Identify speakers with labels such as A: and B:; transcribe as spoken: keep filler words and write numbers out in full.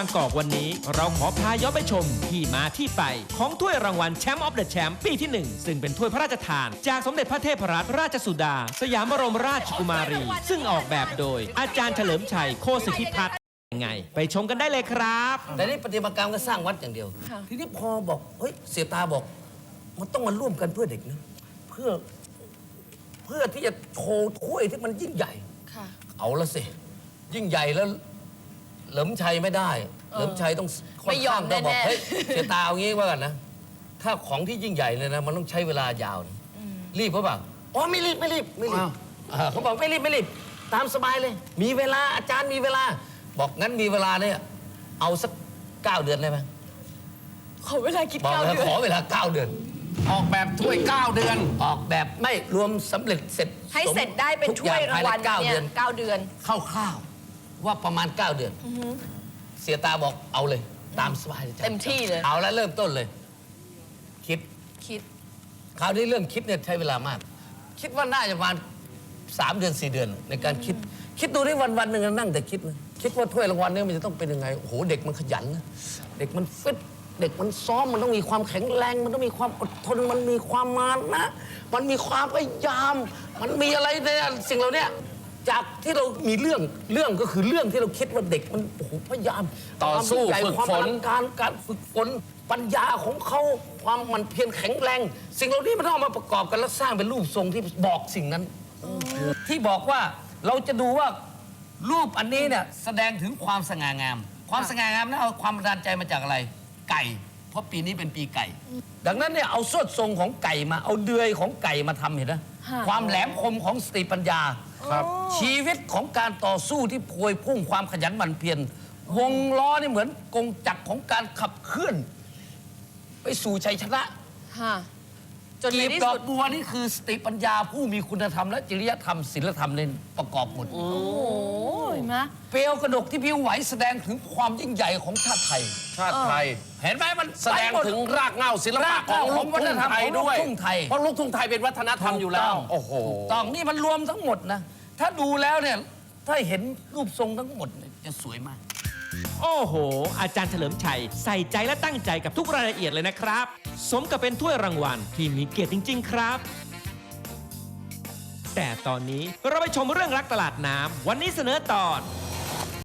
A: างกอกวันนี้เราขอพาย้อนไปชมที่มาที่ไปของถ้วยรางวัลแชมป์ออฟเดอะแชมป์ปีที่หนึ่งซึ่งเป็นถ้วยพระราชทานจากสมเด็จพระเทพรัตนราชสุดาสยามบรมราชกุมารีซึ่งออกแบบโดยอาจารย์เฉลิมชัยโคสิทธิพัฒน์ยังไงไปชมกันได้เลยครับ
B: แต่นี่ปฏิมากรรมก็สร้างวัดอย่างเดียวทีนี้พอบอกเฮ้ยเสียตาบอกมันต้องมาร่วมกันเพื่อเด็กนะเพื่อเพื่อที่จะโชว์ถ้วยที่มันยิ่งใหญ่เอาละสิยิ่งใหญ่แล้วเหลิมชัยไม่ได้เหลิมชัยต้องไม่ยอมต้องบอกเฮ้ยเสียตาเอางี้ว่ากันนะถ้าของที่ยิ่งใหญ่เลยนะมันต้องใช้เวลายาวนะรีบเขาบอกอ๋อไม่รีบไม่รีบไม่รีบเขาบอกไม่รีบไม่รีบตามสบายเลยมีเวลาอาจารย์มีเวลาบอกงั้นมีเวลาเนี่ยเอาสักเก้าเดือนได้ไหม
C: ขอเวลาคิด
B: บอก
C: เก้า
B: แล้ว
C: เดือน
B: ขอเวลาเก้าเดือน
D: ออกแบบถ้วยเก้าเดือน
B: ออกแบบไม่รวมสำเร็จเสร็จ
C: ให้เสร็จได้เป็นถ้วยรางวัล
B: เก้า
C: เนี่
B: เดื
C: ย
B: อน
C: เก้าเดือน
B: คร่าวๆว่าประมาณเก้าเดือนเสียตาบอกเอาเลยตามสบายเลย
C: เต็มที่เลย
B: เอาแล้วเริ่มต้นเลย คิด
C: คิด
B: คราวนี้เรื่องคิดเนี่ยใช้เวลามาก คิดว่าน่าจะประมาณสามเดือนสี่เดือนในการคิด คิดดูได้วันวันหนึ่งนั่งแต่คิดนะคิดว่าถ้วยรางวัลเนี่ยมันจะต้องเป็นยังไงโอ้โหเด็กมันขยันนะเด็กมันฟิตเด็กมันซ้อมมันต้องมีความแข็งแรงมันต้องมีความอดทนมันมีความมานะมันมีความพยายาม มันมีอะไรในสิ่งเหล่านี้จากที่เรามีเรื่องเรื่องก็คือเรื่องที่เราคิดว่าเด็กมันโอ้โหพยายาม
D: ต่อสู้
B: ความ
D: ฝึก
B: ความ
D: ฝน
B: อลังการการฝึกฝนปัญญาของเขาความมันเพียรแข็งแรง สิ่งเหล่านี้มันต้องเอามาประกอบกันแล้วสร้างเป็นรูปทรงที่บอกสิ่งนั้นที่บอกว่าเราจะดูว่ารูปอันนี้เนี่ยแสดงถึงความสง่างาม ความสง่างามนั้นเอาความบันดาลใจมาจากอะไรไก่ เพราะปีนี้เป็นปีไก่ ดังนั้นเนี่ยเอาสวดทรงของไก่มาเอาเดือยของไก่มาทำเห็นไหมความแหลมคมของสติปัญญาครับชีวิตของการต่อสู้ที่พวยพุ่งความขยันหมั่นเพียรวงล้อนี่เหมือนกงจักรของการขับเคลื่อน ไปสู่ชัยชนะ
C: จนใน
B: กีบ
C: ที่
B: ดอ
C: สุ
B: ก
C: ด
B: บัวนี่คือสติปัญญาผู้มีคุณธรรมและจริยธรรมศีลธรรมเล่นประกอบหมด
C: โอ้ยมะ
B: เปลวกระดกที่พิ้วไหวแสดงถึงความยิ่งใหญ่ของชาติไทย
D: ชาติไทย
B: เห็นไหมมัน
D: แสดงถึงรากเหง้าศิลปะของลูกทุ่งไทยด้วย
B: ของลูกทุ่งไทย
D: เพราะลูกทุ่งไทยเป็นวัฒนธรรมอยู่แล้วโอ้โห
B: ถูกต้องนี่มันรวมทั้งหมดนะถ้าดูแล้วเนี่ยถ้าเห็นรูปทรงทั้งหมดเนี่ยจะสวยมาก
A: โอ้โห อาจารย์เฉลิมชัยใส่ใจและตั้งใจกับทุกรายละเอียดเลยนะครับ สมกับเป็นถ้วยรางวัลที่มีเกียรติจริง ๆ ครับ แต่ตอนนี้เราไปชมเรื่องรักตลาดน้ำวันนี้เสนอตอน